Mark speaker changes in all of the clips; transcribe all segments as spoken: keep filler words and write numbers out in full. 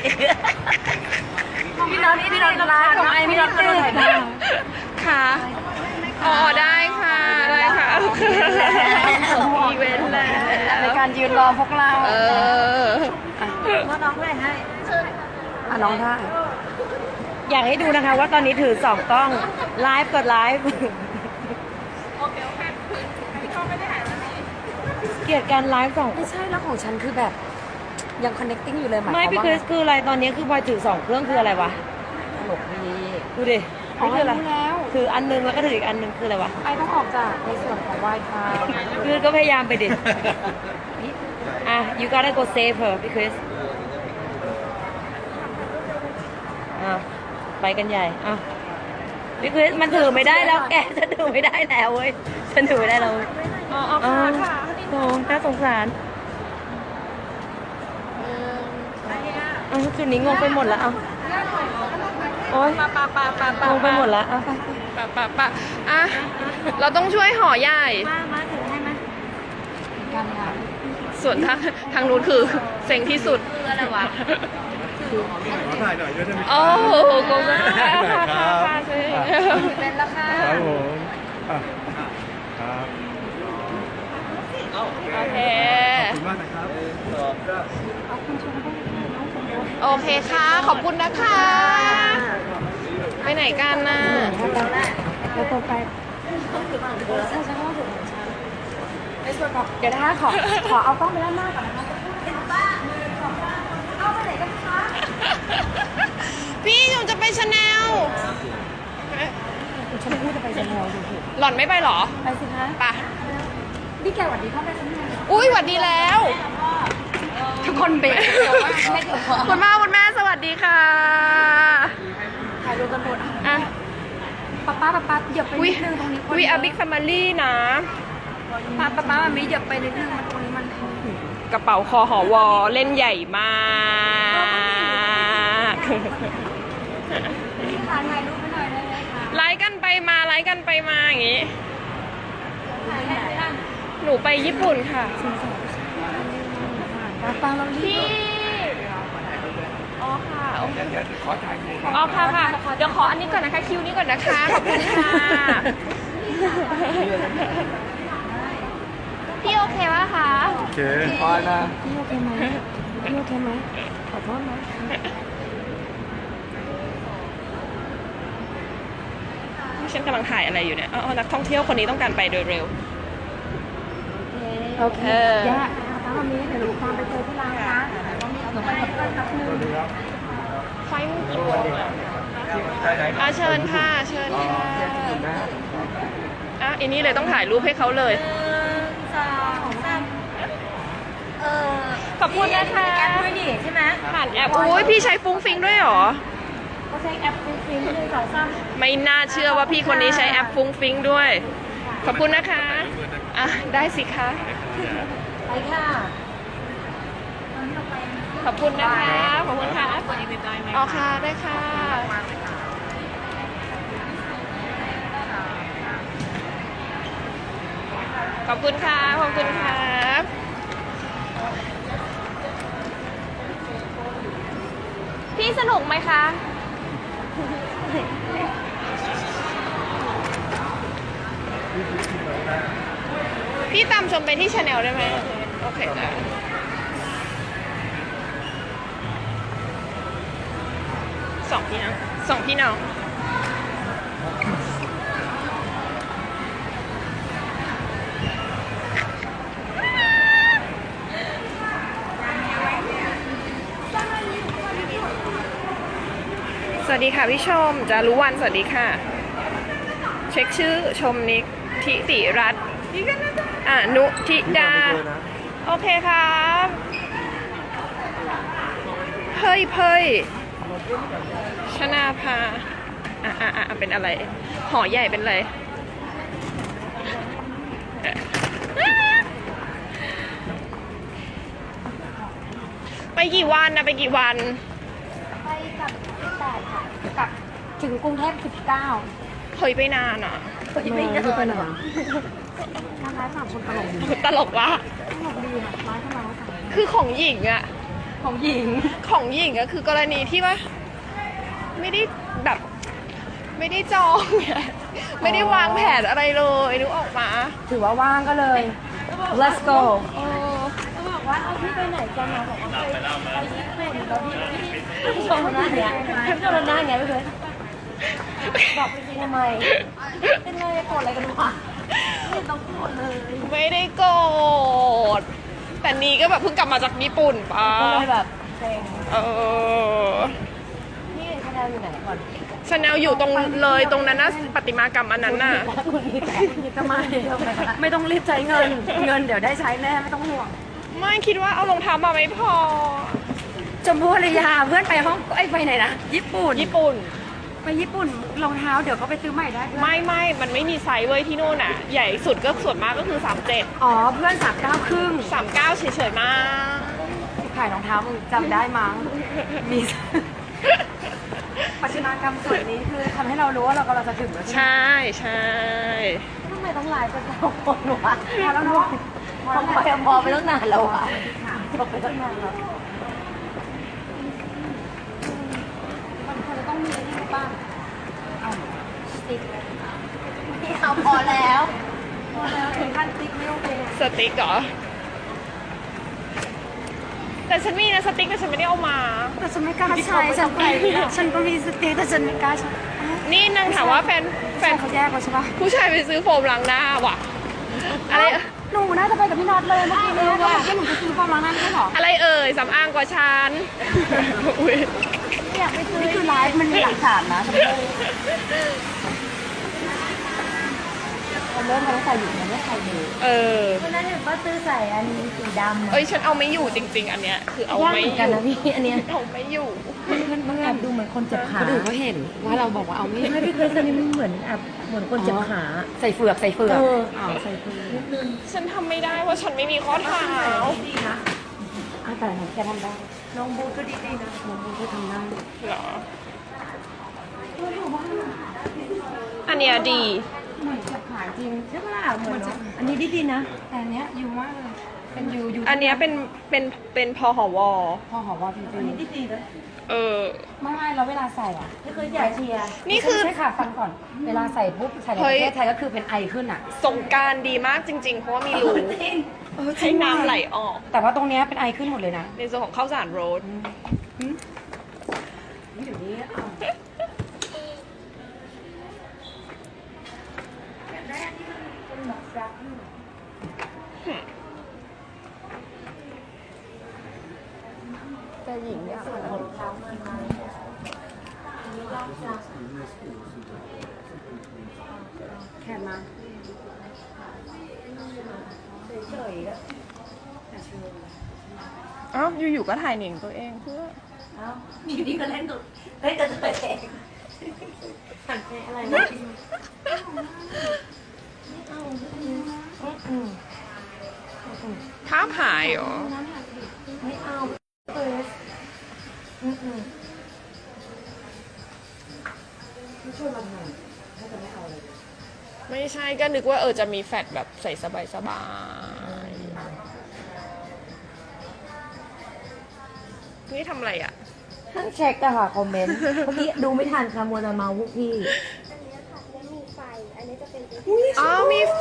Speaker 1: พี่น็อตพี่น็อตไลฟ์ของไอพี่น็อตตื่น
Speaker 2: ค่ะอ๋อได้ค่ะได้ค่ะอีเวนต์แล้ว
Speaker 1: ในการยืนรอพวกเรา
Speaker 2: เออ
Speaker 1: ว่าน้องเลยให้อ่ะน้องได้
Speaker 3: อยากให้ดูนะคะว่าตอนนี้ถือสองกล้องไลฟ์กดไลฟ์เกลียดการไลฟ์สอง
Speaker 1: ไม่ใช่แล้วของฉันคือแบบยัง connecting อยู่เลยหมายความ
Speaker 3: ไม่
Speaker 1: ว่า
Speaker 3: พี่คริสคืออะไรตอนนี้คือบอยถือสองเครื่องคืออะไรวะ
Speaker 1: ตลกดี
Speaker 3: ดูดิ
Speaker 1: อ๋อ
Speaker 3: นี่คืออะไร
Speaker 1: รู้แล้ว
Speaker 3: ถืออันนึงแล้วก็ถืออีกอันนึงคืออะไรวะ
Speaker 1: ไอต้องออกจากในส่วนของ Wi-Fi
Speaker 3: คือก็พยายามไปดิอ่ะ you gotta go save her พี่คริสอ่ะไปกันใหญ่อ่ะพี่คริสมันถือไม่ได้แล้วแกฉันถือไม่ได้แล้วเว้ยฉันถือไม่ได้แล้วอ๋ออ๋อค่ะโอ้น่าสงสารเออจุดนี้งงไปหมดแล้วอ่ะโอ๊ย
Speaker 2: ปะปะปะปะปะ
Speaker 3: งงไปหมดแล้วอ่ะ
Speaker 2: ปะปะปะอ่ะเราต้องช่วยห่อใหญ่
Speaker 3: มามาถือให้มา
Speaker 1: การงาน
Speaker 2: ส่วนทางทางนู้นคือเซ็งที่สุด
Speaker 3: คืออะไรวะ
Speaker 4: ขอถ่ายหน่อยด้วยได้ไหม
Speaker 2: โอ้โหกง
Speaker 4: ได้ค
Speaker 2: ค่ะ
Speaker 4: รับ
Speaker 2: ค่ะค่ะ
Speaker 1: เป็นแล้วค่ะ
Speaker 4: ครับผมอ่ะครับ
Speaker 2: โอเค
Speaker 4: ขอบคุณมากนะครับ
Speaker 2: โอเคค่ะ ขอบคุณนะคะ ไปไหนกันน่ะ
Speaker 1: เราต้องไปใช่ใช่ว่าถึงของฉันในส่วนของเดี๋ยวนะคะขอขอเอากล้องไปด้านหน้าก่อนนะคะเอาไปไหนกันคะ
Speaker 2: พี่หนูจะไปชาแนล
Speaker 1: ฉันพูดจะไปชาแนลอยู่
Speaker 2: หล่อนไม่ไปเหรอ
Speaker 1: ไปสิคะ
Speaker 2: ไป
Speaker 1: พี่แกหวัดดีพ่อแม่ฉันไง
Speaker 2: อุ้ยหวัดดีแล้ว
Speaker 1: ทุกคนเบรกเดี๋ยวว่าไม่เดี๋ยวพอ
Speaker 2: คุณพ่อคุณแม่สวัสดีค่ะ
Speaker 1: ถ่ายรูปกันหมด
Speaker 2: อ่ะ
Speaker 1: ป๊าป้าป๊าป้าเหยียบไป
Speaker 2: วิ
Speaker 1: นิดนึงตรงนี้
Speaker 2: วิอาบิ๊กแฟมิลี่นะ
Speaker 1: ป๊าป๊าป๊ามันไม่เหยียบไปนิดนึงมันตรงนี้มัน
Speaker 2: กระเป๋าคอหอวอเล่นใหญ่มาก
Speaker 1: พี่คะถ่ายรูปให้หน่อยได้ไหมคะ
Speaker 2: ไลฟ์กันไปมาไลฟ์กันไปมาอย่างงี้
Speaker 1: ถ่ายไหนอ่ะ
Speaker 2: หนูไปญี่ปุ่นค่ะ
Speaker 1: ป๊าป๊าเรารี
Speaker 2: พี่
Speaker 1: บ
Speaker 2: อ๋อค่ะโอเคอ๋อค่ะค่ะ เดี๋ยวขออันนี้ก่อนนะคะ คิวนี้ก่อนนะคะ ขอบคุณค่ะ พี่โอเควะคะ
Speaker 4: โอเคพอนะ
Speaker 1: พี่โอเคไหมพี่โอเคไหมขอโทษนะ
Speaker 2: ฉันกำลังถ่ายอะไรอยู่เนี่ยอ๋อนักท่องเที่ยวคนนี้ต้องการไปโดยเร็ว
Speaker 1: โอเค
Speaker 2: เออ
Speaker 1: แย่ป๊ามามีเดี๋ยวหนูตามไปเจอที่ร้านนะหนูไปกับเพื่อนแป๊บนึง
Speaker 2: ไฟมันกี่โมงอะอ่ะเชิญค่ะ เชิญค่ะอ่ะอันนี้เลยต้องถ่ายรูปให้เขาเลย
Speaker 1: สองสามเออ
Speaker 2: ขอบคุณนะคะ
Speaker 1: แอปด้วยดิใช่ไหม
Speaker 2: ผ่านแอปอุ้ยพี่ใช้ฟุ้งฟิงด้วยเหรอ
Speaker 1: เขาใช้แอปฟรีๆหนึ่งสองสาม
Speaker 2: ไม่น่าเชื่อว่าพี่คนนี้ใช้แอปฟุ้งฟิงด้วย ขอบคุณนะคะ อ่ะ ได้สิคะ
Speaker 1: ไปค่ะ
Speaker 2: ขอบคุณนะคะ ขอบคุณค่ะอ๋อค่ะ ได้ค่ะ ขอบคุณค่ะ ขอบคุณครับ พี่สนุกไหมคะ พี่ตามชมไปที่ชาแนลได้ไหม โอเคได้สองพี่น้องสองพี่น้อง สวัสดีค่ะพี่ชมจารุวรรณสวัสดีค่ะ เช็คชื่อชมนิกทิติรัตน์อ่านุทิดา โอเคครับเฮ้ยเฮ้ยชนาภาอ่ะอ่ะอ่ะเป็นอะไรหอใหญ่เป็นอะไรไปกี่วันนะไปกี่วัน
Speaker 1: ไปกับที่แปดค่ะกลับถึงกรุงเทพสิบเก้า
Speaker 2: เฮ้ยไปนานอ่ะ
Speaker 1: ไปไม่ได้ไปไหนการไลฟ์สามคนตลกดี
Speaker 2: ตลกวะ
Speaker 1: ตลกดีค่ะไลฟ์เข้ามาแล้วค่ะ
Speaker 2: คือของหญิงอะ
Speaker 1: ของหญิง
Speaker 2: ของหญิงก็คือกรณีที่ว่าไม่ได้แบบไม่ได้จองเนี่ยไม่ได้วางแผนอะไรเลยนึกออกมา
Speaker 1: ถือว่าว่างก็เลย let's go
Speaker 2: เออ
Speaker 3: เขาบอกว่าเอาพี่ไปไหนกันนะบอกว่าไปไปญี่ปุ่นแล้วพี่พี่พี่ชมหน้าเนี้ยพี่ชมหน้าเนี้ยไม่เคยบอกไปทำไมเป็นไรโกรธอะไรกันวะไม่ต้องโกรธเลย
Speaker 2: ไม่ได้โกรธแต่นี้ก็แบบเพิ่งกลับมาจากญี่ปุ่นปะ
Speaker 3: ก็เลยแบบเซ็ง
Speaker 2: เออ
Speaker 3: นี่คะแนนอยู่ไหนก่อน
Speaker 2: ชาแนลอยู่ตรงเลยตรงนั้นนะประติมากรรมอันนั้นน่ะ
Speaker 3: คุณนี่แต่คุณนี่
Speaker 1: ทำไมไม่ต้องรีบใช้เงิน เงินเดี๋ยวได้ใช้แน่ไม่ต้องห่วง
Speaker 2: ไม่คิดว่าเอารองเท้ามาไม่พอ
Speaker 1: ชมพู่อารยาเพื่อนไปห้องไอ้ยไปไหนนะญี่ปุ่น
Speaker 2: ญี่ปุ่น
Speaker 1: ไปญี่ปุ่นรองเท้าเดี๋ยวก็ไปซื้อใหม่ได้เพื่อน
Speaker 2: ไม่ไม่มันไม่มีไซส์เว้ยที่โน่นอ่ะ ใหญ่สุดก็ส่วนมากก็คือสามเจ็ด
Speaker 1: อ๋อเพื่อนสามเก้าครึ่ง
Speaker 2: สามเก้าเฉยๆมาก
Speaker 1: ขายรองเท้ามึงจำได้มั้งมี ปัจจุบันกรรมส่วนนี้คือทำให้เรารู้ว่าเรากำลังจะถึงแล้วใช่ไหม
Speaker 2: ใช่ใช่
Speaker 3: ทำไมต้องไลฟ์กันสองคนวะ
Speaker 1: พอแล้วเนาะ
Speaker 3: ทำไมมองไปตั้งนานแล้ววะจบไปตั้งนานแล้ว
Speaker 1: มันควรจะต้องมีนี่บ้างเอาสติ๊ก
Speaker 3: พี่เอาพอแล้ว
Speaker 1: พอแล้วถึงขั้นสติ๊กไม่โอเค
Speaker 2: สติ๊กเหรอ แต่ฉันมีนะสติ๊กแต่ฉันไม่ได้เอามา
Speaker 1: แต่ฉันไม่กล้าใช้ฉันไปฉันก็มีสติ๊กแต่ฉันไม่กล้าใช้
Speaker 2: นี่นางถามว่าแฟนแฟ
Speaker 1: แฟน
Speaker 2: น
Speaker 1: เขาแยกกันใช่ปะ
Speaker 2: ผู้ชายไปซื้อโฟมล้างหน้าว่ะ อะไร
Speaker 1: หนูน่าจะไปกับพี่น็อตเลยเมื่อกี้นี้ว่าแค่หนูจะซื้อฟองล้างหน้าไม่ใช่หรอ
Speaker 2: อะไรเอ่ยสำอางกว่าฉันอุ๊ย
Speaker 1: ไม่อยากไปซื้อนี่คือไลฟ์มันมีหลักฐานนะชมพู่มันเริ่มมาตั้งแต่อยู่มันไม่ใครดู
Speaker 2: เออ
Speaker 3: วันนั้นเห็นป้าตื้อใส่อันนี้สีดำ
Speaker 2: เอ้ยฉันเอาไม่อยู่จริง ๆ อันเนี้ยคือเอา
Speaker 3: ยาก
Speaker 2: ไม่
Speaker 3: เหมือน
Speaker 2: อ
Speaker 3: กัน
Speaker 2: ยู่
Speaker 3: นะพี่อันเนี้ย
Speaker 2: เอาไม่อยู่
Speaker 3: มันแอบดูเหมือนคนเจ็บขา
Speaker 1: คนอื่นเขาเห็นว่าเราบอกว่าเอาไม่
Speaker 3: ไม่พี่เคยอันนี้มันเหมือนแอบเหมือนคนเจ็บขา
Speaker 1: ใส่เฟือกใส่เฟือก
Speaker 3: เออ
Speaker 1: อ๋อใส่เฟือก
Speaker 3: นิดนึง
Speaker 2: ฉันทำไม่ได้ว่าฉันไม่มีข้อเท้า
Speaker 3: ดีนะ
Speaker 1: อ่ะแต่หนูแกทำได้
Speaker 3: น้องบูก็ดีดีนะ
Speaker 1: น้องบูก็ทำได้
Speaker 2: เหรอ อันเนี้ยดี
Speaker 1: เหมือนจะขายจริง
Speaker 3: ใช่ปะล่ะเหมือนเนอะอันนี้ดีดีนะ
Speaker 1: แต่อันเนี้ยยูมากเลยเป็นยูยู
Speaker 2: อันเนี้ยเป็นเป็นเป็นพอหอวอ
Speaker 1: พอหอว่าจริง
Speaker 3: อันนี้ดีดีนะ
Speaker 2: เออ
Speaker 1: ๆไม่ไม่เราเวลาใส่อ่ะ
Speaker 3: ไม่เคยใหญ่เชียร์
Speaker 2: นี่คือ
Speaker 1: ใช่ค่ะฟังก่อน เวลาใส่ปุ๊บใส่ใน
Speaker 2: เฮ้
Speaker 1: ป
Speaker 2: ย
Speaker 1: ระเทศไทยก็คือเป็นไอขึ้นอ่ะ
Speaker 2: สงกรารดีมากจริง ๆ เพราะว่ามีรู
Speaker 1: เออ
Speaker 2: ให้น้ำไหลออก
Speaker 1: แต่ว่าตรงเนี้ยเป็นไอขึ้นหมดเลยนะ
Speaker 2: ในส่วนของข้าวสารโรด
Speaker 1: นี่เดี๋ยวนี้เอา
Speaker 2: แต่หญิงเนี่ย
Speaker 1: แค่มา
Speaker 3: เฉยๆแล้ว
Speaker 2: อ้าวอยู่ๆก็ถ่ายหนิงตัวเองเพื่อ
Speaker 3: เอ้าอยู่ดีก็เล่นกับเล่นกับตัวเองหันไปอะไรนะอืม
Speaker 2: ภาพหายเหรอ
Speaker 3: ไม่เอาเอออืมอืม
Speaker 1: ไม่ช่วยมันหน่อยถ้าจะไม่เอาเลย
Speaker 2: ไม่ใช่ก็นึกว่าเออจะมีแฟดแบบใส่สบายสบายๆนี่ทำอะไรอ่ะ
Speaker 3: นั่งเช็คอะค่ะคอมเมนต์ เมื่อกี้ดูไม่ทันค่ะมัวแต่เมาพวกพี่
Speaker 2: อ๋อมีไฟ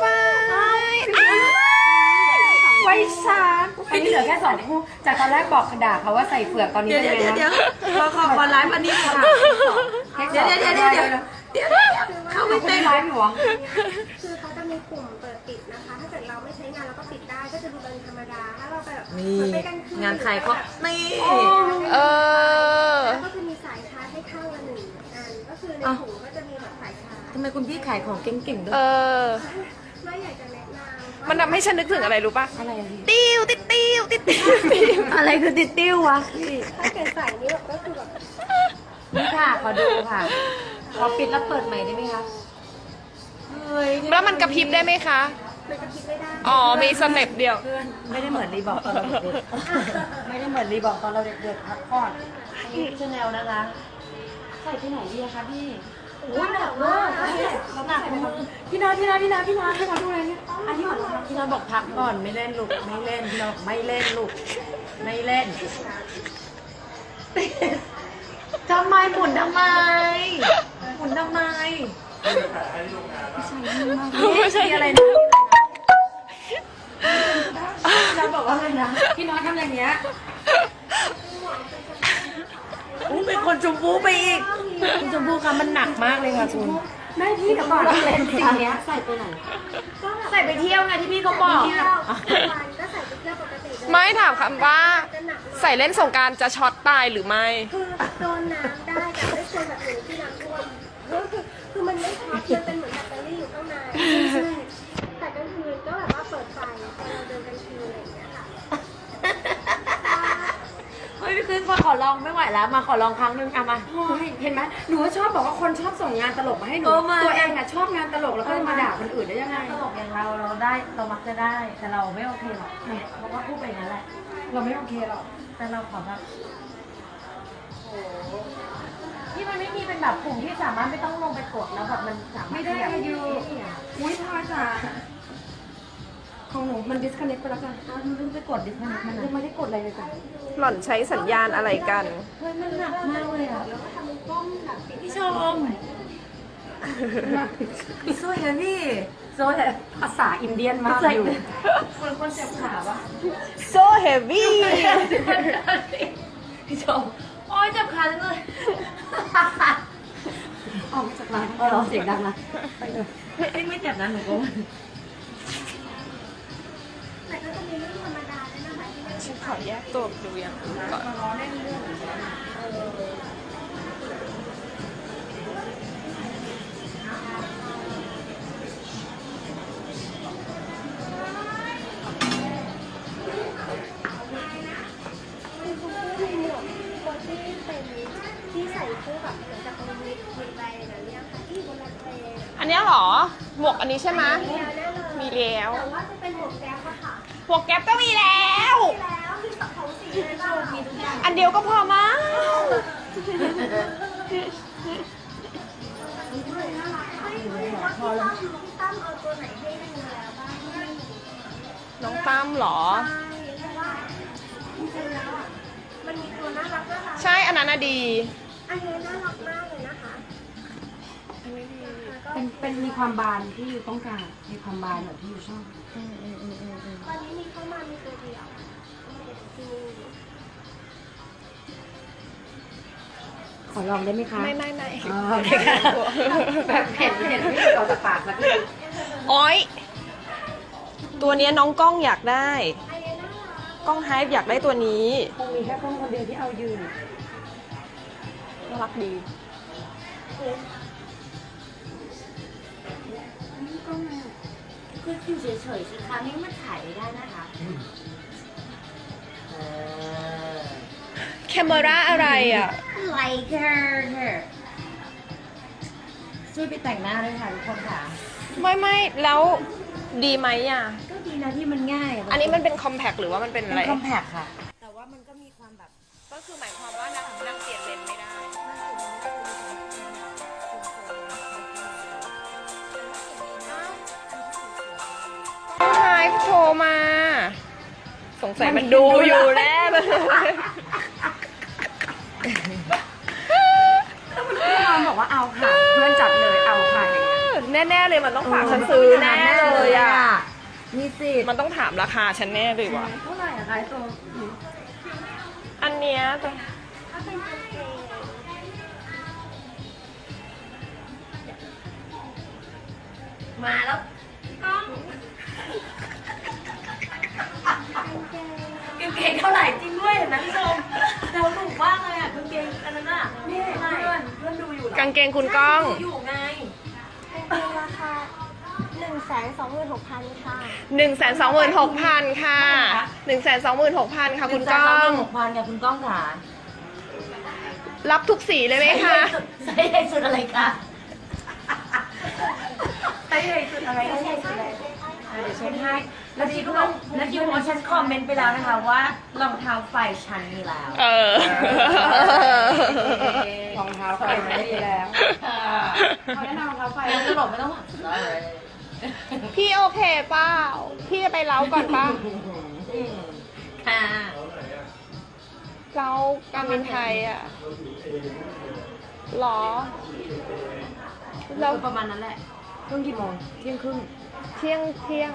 Speaker 1: ไว้ชาร์จอันนี้เหลือแค่สองคู่ จากตอนแรกบอกด่าเขาว่าใส่เฟือกตอนนี้
Speaker 3: เดี๋ยว
Speaker 1: เป็น
Speaker 3: เดี๋ยว
Speaker 1: ไง
Speaker 3: เดี๋ยว
Speaker 1: นะ
Speaker 3: ขอขอขอไลฟ์อันนี้ค่ะ เดี๋ยวเดี๋ยวเดี๋ยวเดี๋ยวเดี๋ยวเดี๋ยวเข้าไม่
Speaker 1: ไม่
Speaker 3: เป็
Speaker 1: เป็น นไลฟ์อยู่เหรอ
Speaker 5: คือเขาจะมีปุ่มเปิดปิดนะคะ ถ้าเกิดเราไม่ใช้งานเราก็ปิดได้ ก็จะดูเป็นธรรมดา ถ้าเราไปแบบ
Speaker 3: นี่
Speaker 5: เหมือนไปกลางคืน
Speaker 3: งานขายเขานี่
Speaker 2: เออ
Speaker 5: แล้วก็จะมีสายชาร์จให้ข้างละหนึ่งอัน ก็คือในถุงก็จะมีแบบสายชาร์จ
Speaker 3: ทำไมคุณพี่ขายของเก่งๆด้ว
Speaker 2: เอย อ
Speaker 5: ไม่อยากจะแนะนำ
Speaker 2: มันทำให้ฉันนึกถึงอะไรรู้ป่ะ
Speaker 3: อะไรอะพี่
Speaker 2: ติ้วติ๊ดติ้วติ๊ดติ้วติ้ว
Speaker 3: อะไรคือติดติ้ววะพี่
Speaker 5: ถ้าเกิดใส่นี่แบบก็คือแบบ
Speaker 3: นี่ค่ะขอดูค่ะ ขอปิดแล้วเปิดใหม่ได้ไหมคะเฮ้ย
Speaker 2: แล้วมันกระพริบได้ไหมคะ
Speaker 5: มันจะคิดไม่ได้
Speaker 2: อ๋อ มีสเต็ปเดียว
Speaker 1: ไม่ได้เหมือนรีบอกตอนเราเด็กๆไม่ได้เหมือนรีบอกตอนเราเด็กๆพักผ่อน
Speaker 3: อันนี้ชาแนลนะคะ
Speaker 1: ใส่ที่ไหนดีอะคะพี่
Speaker 3: โอ้ยหนักมาก
Speaker 1: หนักมือพี่นาพี่นาพี่นาพี่นาพี่นาดูอะไรเนี่ยอันนี้หมอน
Speaker 3: พี่น้อยบอกพักก่อนไม่เล่นลูกไม่เล่นพี่น้อยบอกไม่เล่นลูกไม่เล่นทำไมหมุนทำไมหมุนทำไมไม่ใช่อะไรนะเราบอกว่าอะไรนะพี่น้อยทำอย่างเงี้ยอู้เป็นคนชมพูไปอีกคุณชมพูคะมันหนักมากเลยค่ะคุณ
Speaker 1: แม่พี่เดี๋ยวก่อน
Speaker 3: เล่นสิ่งเนี้ยใส่ไปไหน
Speaker 5: ก็แบบ
Speaker 3: ใส่ไปเที่ยวไงที่พี่เขาบอก
Speaker 5: เที่ยววันก็ใส่ไปเที่ยวปกติเลย
Speaker 2: ไม่ถามคำว่า
Speaker 5: จะหนักหน่อย
Speaker 2: ใส่เล่นสงกรารจะช็อตตายหรือไม่
Speaker 5: คือโดนน้ำได้แต่ไม่ควรแบบหนูที่น้ำท่วมก็คือคือมันไม่ช็อตมันเป็นเหมือนแบตเตอรี่อยู่ข้างในแต่กลางคืนก็แบบว่าเปิดไฟตอนเราเดินกลางคืนอะไรอย่างเงี้ยค่ะ
Speaker 3: เฮ้ยพี่คืนมาขอลองไม่ไหวแล้วมาขอลองครั้งหนึงอะมา
Speaker 1: โอ้ยเห็นไหมหนูก็ชอบบอกว่าคนชอบส่งงานตลกมาให้หนู
Speaker 3: เออมา
Speaker 1: ตัวเองอะชอบงานตลกแล้วก็มาด่าคนอื่นได้ยังไง
Speaker 3: ตลกอย่างเราเราได้เรามักจะได้แต่เราไม่โอเคหรอกเพราะว่าพูดไปอย่างนั้นแหละ
Speaker 1: เราไม่โอเคหรอก
Speaker 3: แต่เราขอแบบที่มันไม่มีเป็นแบบปุ่มที่สามารถไม่ต้องลงไปกดแล้วแบบมันสามารถ
Speaker 1: ไม่ได้
Speaker 3: ขยับ
Speaker 1: อะยูอุ้ยพอจ้ะของหนูมัน disconnect ไปแล้วจ้ะ
Speaker 3: อ้าวมันเพิ่งไปกดดิสมันมัน
Speaker 1: ยังไม่ได้กดอะไรเลยจ้ะ
Speaker 2: หล่อนใช้สัญญาณอะไรกัน
Speaker 3: เฮ้ยมันหนักมากเลยอ่ะพี่ชมสวยนะพี่สวย
Speaker 1: ภาษาอินเดียนมากอยู่
Speaker 3: คนคนเจ็บขาปะ
Speaker 2: so heavy
Speaker 3: พี่ชมโอ้ยเจ็บขาจังเลย
Speaker 1: ออกมาจากร้านเออเสียงดังนะไปเลย
Speaker 3: ไม่ไม่เจ็บนะหนูก็
Speaker 5: แต่ก็จะมีเรื่องธรรมดาด้วยนะคะที่ไม่
Speaker 2: ฉันขอแยกตัวดูอย่างอื่นก่อน
Speaker 5: คือคุณผู้มีหมวกคนที่เป็นที่ใส่คู่แบบเหมือนกับเป็นมิดมิดแบรนด์อะไรเนี่ยค่ะที่อยู่บนรถเมล์
Speaker 2: อันเนี้ยเหรอ หมวกอันนี้ใช่ไหม
Speaker 5: มีแล้วแน่เลย
Speaker 2: มีแล้ว
Speaker 5: แต่ว่าจะเป็นหมวกแก๊ปอะค่ะ
Speaker 2: หมวกแก๊ปก็มีแล้ว
Speaker 5: มีแล้วมีสองสีเลยบ้างมีทุกอย่าง
Speaker 2: อันเดียวก็พอมั้ง
Speaker 5: พอแล้วพี่ตั้มเอาตัวไหนให้ดูแล้วบ้าง
Speaker 2: น้องตั้มเหรอ
Speaker 5: ใช่เพราะว่าจริงๆแล้วอ่ะมันมีตัวน่ารักน่ารัก
Speaker 2: ใช่อันนั้นน่ะดี
Speaker 5: อันนี้น่ารักมากเลยนะคะ
Speaker 1: เป็นเป็นมีความบานที่อยู่ต้องการมีความบานแบบที่อยู่ชอบ
Speaker 5: ตอนนี้มีเข้ามามีตัวเดียวคือ
Speaker 1: ขอลองได้ไหมคะ
Speaker 2: ไม่ไม่ไม่
Speaker 1: อ๋อโอเคค่ะแบบเห็นเห็นไม่ออกจากปากสักที
Speaker 2: อ้อย ตัวเนี้ยน้องกล้องอยากได้
Speaker 5: อันนี้น่ารัก
Speaker 2: กล้องไฮฟ์อยากได้ตัวนี้
Speaker 1: คงมีแค่คนคนเดียวที่เอายืน
Speaker 2: น่ารักดี
Speaker 3: คืออยู่เฉยๆสิคะนี่มันถ่ายไม่ได้นะคะ
Speaker 2: แคมเมราอะไรอ่ะ
Speaker 3: like her her ช่วยไปแต่งหน้าด้วยค่ะทุกคนค่ะ
Speaker 2: ไม่ไม่แล้วดีไหมอ่ะ
Speaker 3: ก็ดีนะที่มันง่าย
Speaker 2: อันนี้มันเป็นคอมแพคหรือว่ามันเป็น
Speaker 3: เป็
Speaker 2: อะไร
Speaker 3: นคอมแพคค่ะ แต่ว่ามันก็มีความแบบ
Speaker 2: ก็คือหมายความว่านางนางเปลี่ยนเลนไม่ได้ไฮฟ์โทรมา สงสัยมันดูอยู่แน่เลย
Speaker 1: พี่นอนบอกว่าเอาค่ะ เพื่อนจัดเลยเอาค่ะอย่างเงี้ย
Speaker 2: แน่ๆเลยมันต้องฝากฉันซื้อแน่เลยอ่ะ
Speaker 3: มีสิทธิ์
Speaker 2: มันต้องถามราคาฉันแน่เลยว่ะ
Speaker 1: เท่าไหร่อะคะไอ้ตัว
Speaker 2: อันเนี้ยตัว
Speaker 5: ถ้าเป็นกางเกง
Speaker 3: มาแล้ว
Speaker 5: กล้องกางเกง
Speaker 3: กางเกงเท่าไหร่จริงด้วยเห็นไหมพี่ชมเราถูกมากเลยอ่ะกางเกงอันนั้นอ่ะนี่เพื่อนเพื่อนดูอยู่เหรอก
Speaker 2: างเกงคุณก้อง
Speaker 3: อยู่ไง
Speaker 5: กางเกงราคาหนึ่งแสนสองหมื่นหกพันค่ะ
Speaker 2: หนึ่งแสนสองหมื่นหกพันค่ะหนึ่งแสนสองหมื่นหกพันค่ะคุณก้อง
Speaker 3: หกพันค่ะคุณก้องค่ะ
Speaker 2: รับทุกสีเลยไหมคะ
Speaker 3: ใส่ใหญ่สุดอะไรคะ
Speaker 1: ใช้ใหญ่สุดอะไรใช้ใหญ่สุดอะไร
Speaker 3: เดี๋ยวเช็คให้แล้วคิดว่าแล้วคิดว่าฉันคอมเมนต์ไปแล้วนะคะว่ารองเท้าไฟฉันมีแล้ว
Speaker 2: เออ
Speaker 1: รองเท้าไฟไม่ดีแล้วเขาแนะนำรองเท้าไฟ
Speaker 3: แล้วตลกไม่ต้องหวังเลย
Speaker 2: พี่โอเคเปล่าพี่จะไปเล้าก่อนเปล่า
Speaker 3: ค่ะ
Speaker 2: เก้าการบินไทยอ่ะหรอแล้ว
Speaker 3: ประมาณนั้นแหละเครื่องกี่โมงเที่ยงครึ่ง
Speaker 2: เที่ยงเที่ยง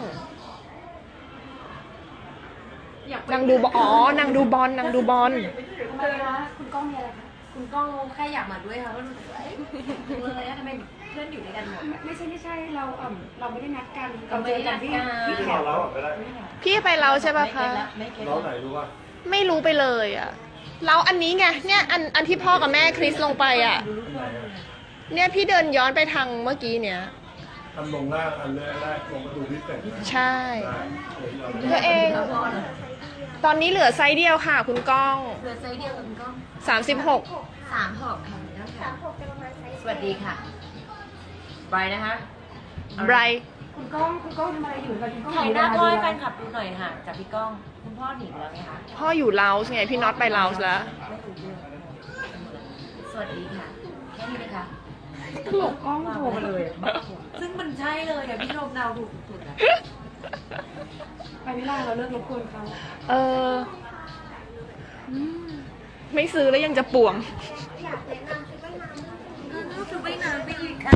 Speaker 2: นางดูบอลอ๋อนางดูบอลนางดูบอล
Speaker 3: ทำไมคะคุณก้องมีอะไรคะคุณก้องแค่อยากมาด้วยค่ะว่ารู้สึกว่าเอ๊ะเลยนะทำไมเพื่อนอยู่ด้วยกันหมด
Speaker 1: ไม่ใช่ไม่ใช่เราเอ่อเราไม่ได้นัดกัน
Speaker 3: เราไม่ได้นัดกัน
Speaker 1: ที่
Speaker 4: ที่
Speaker 1: แถ
Speaker 4: นอ
Speaker 1: วน
Speaker 4: แล้วอ่ะไม่ได้
Speaker 2: พี่ไปเราใช่ป่ะคะ
Speaker 3: ไม่เก็ต
Speaker 4: เราไหนรู้ว่า
Speaker 2: ไม่รู้ไปเลยอ่ะเราอันนี้ไงเนี่ยอันอันที่พ่อกับแม่คริสลงไปอ่ะ เนี่ยพี่เดินย้อนไปทางเมื่อกี้เนี่ย
Speaker 4: ทำลงล่างอันแรกแรกลงประตูพิเศษนะ
Speaker 2: ใช่
Speaker 4: ได้เดี๋ยวเรา
Speaker 2: ตัวเอง ตอนนี้เหลือไซส์เดียวค่ะ คุณก้อง
Speaker 3: เหลือไซส์เดียวกับคุณก้อง
Speaker 2: สามสิบหก
Speaker 3: สามหกค่ะแล้ว
Speaker 5: สา
Speaker 3: ค่ะ
Speaker 5: มหกจะประมาณไซส์
Speaker 3: สวัสดีค่ะไบรท์นะคะ
Speaker 2: ไบรท์
Speaker 1: คุณก้องคุณก้องทำอะไรอยู่กันคุณก้อง
Speaker 3: ถ่ายหน้าพ่อให้แฟนคลับดูหน่อยค่ะจากพี่ก้องคุณพ่อหนีแล้วไงคะ
Speaker 2: พ่ออยู่เลาส์ไงพี่น็อตไปเลาส์แล้ว
Speaker 3: ไม่รู้เรื่องสวัสดีค่ะแค่นี้เลยค่ะ
Speaker 1: ตลกกล้องโทรมาเลย
Speaker 3: ซึ่งมันใช่เลยอะพี่ชมดาวถูกสุดๆอะ
Speaker 1: ไปไม่ได้เราเลิกรบกวนเขา
Speaker 2: เอออืมไม่ซื้อแล้วยังจะป่วง
Speaker 5: อยากแนะนำชุดว่ายน้ำ
Speaker 3: คือไม่นานไปอีกค่ะ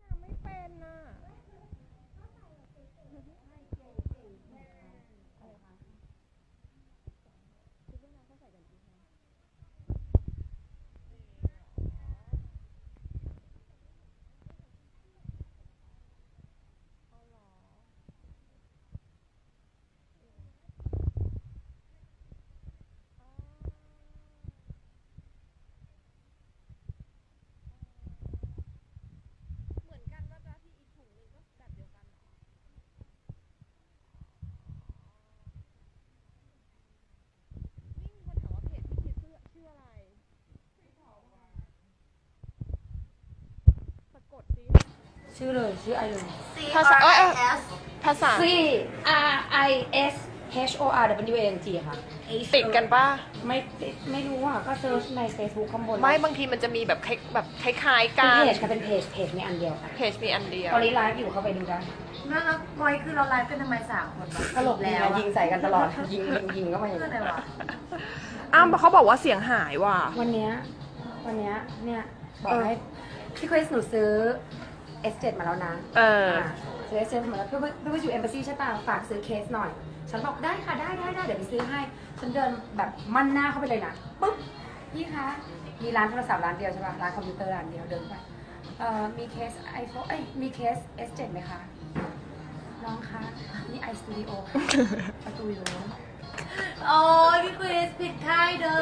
Speaker 3: ชื่อเลยชื่อไอเลย
Speaker 2: ภาษาเอ้ยเอ้ยภาษา
Speaker 3: C R I S H O R W A N G ค่ะ
Speaker 2: ติดกันป่ะ
Speaker 1: ไม่ไม่รู้อ่ะก็เซิร์ชใน Facebook ข้างบน
Speaker 2: ไม่บางทีมันจะมีแบบคล้ายแบบคล้ายๆ
Speaker 1: เป็
Speaker 2: กัน น
Speaker 1: เพจค่ะเป็นเพจเพจมีอันเดียวค่ะ
Speaker 2: เพจมีอันเดียว
Speaker 1: ตอนนี้ไลฟ์อยู่เข้าไปดูได้
Speaker 3: แล้วแล้วบอยคือเราไลฟ์กันทำไมสามคนวะ
Speaker 1: ตลกดี
Speaker 3: แล้ว
Speaker 1: นะยิงใส่กันตลอด ยิงยิงยิงก็มาอย่าง
Speaker 3: เพื่อ
Speaker 1: นี้
Speaker 3: อะไรวะ
Speaker 2: อ้าวเขาบอกว่าเสียงหายว่ะ
Speaker 1: วันเนี้ยวันเนี้ยเนี่ยบอกให้พี่คริสหนูซื้อ เอส เจ็ด มาแล้วนะ
Speaker 2: เออ
Speaker 1: อ่าซื้อ เอส เจ็ด มาแล้วเพื่อเพื่อไปอยู่เอมบ s ซีใช่ป่ะฝากซื้อเคสหน่อย ฉันบอกได้ค่ะได้ได้ได้เดี๋ยวไปซื้อให้ ฉันเดินแบบมั่นหน้าเข้าไปเลยนะปุ๊บพี่คะมีร้านโทรศัพท์ร้านเดียวใช่ป่ะร้านคอมพิวเตอร์ร้านเดียวเดินไปเอ่อมีเคส iPhone เอ้ยมีเคส เอส เจ็ด ไหมคะน้องคะนี่ iStudio ค่ะประตูอยู่นู้น
Speaker 3: โอ้ยพี่คริสผิดค่ายเด้อ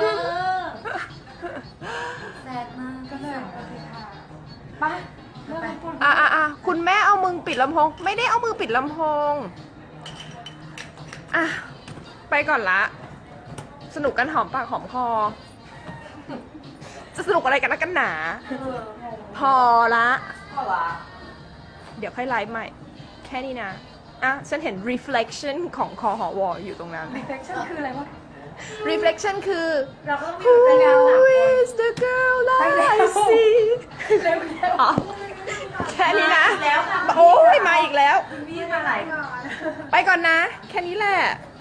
Speaker 3: แซดมาก
Speaker 1: ก็เลยโอเคค่ะไปเริ่มต้น
Speaker 2: อ่ะอ่ะอ่ะคุณแม่เอามือปิดลำโพง ไม่ได้เอามือปิดลำโพง อ่ะ ไปก่อนละ สนุกกันหอมปากหอมคอ จะสนุกอะไรกันนักกันหนา พอละ
Speaker 3: พ่อวะ
Speaker 2: เดี๋ยวค่อยไลฟ์ใหม่ แค่นี้นะ อ่ะ ฉันเห็น reflection ของคอหอวออยู่ตรงนั้น
Speaker 1: reflection คืออะไรวะ
Speaker 2: reflection คือ
Speaker 3: เราก็ต้องมี
Speaker 2: Who
Speaker 3: เรื่องราว
Speaker 2: is the girl that I see อ๋อแค่นี้นะ
Speaker 3: แล้วค่ะ
Speaker 2: โอ้ยมาอีกแล้ว
Speaker 3: พี่มาหลายก่อน
Speaker 2: ไปก่อนนะ แค่นี้แหละ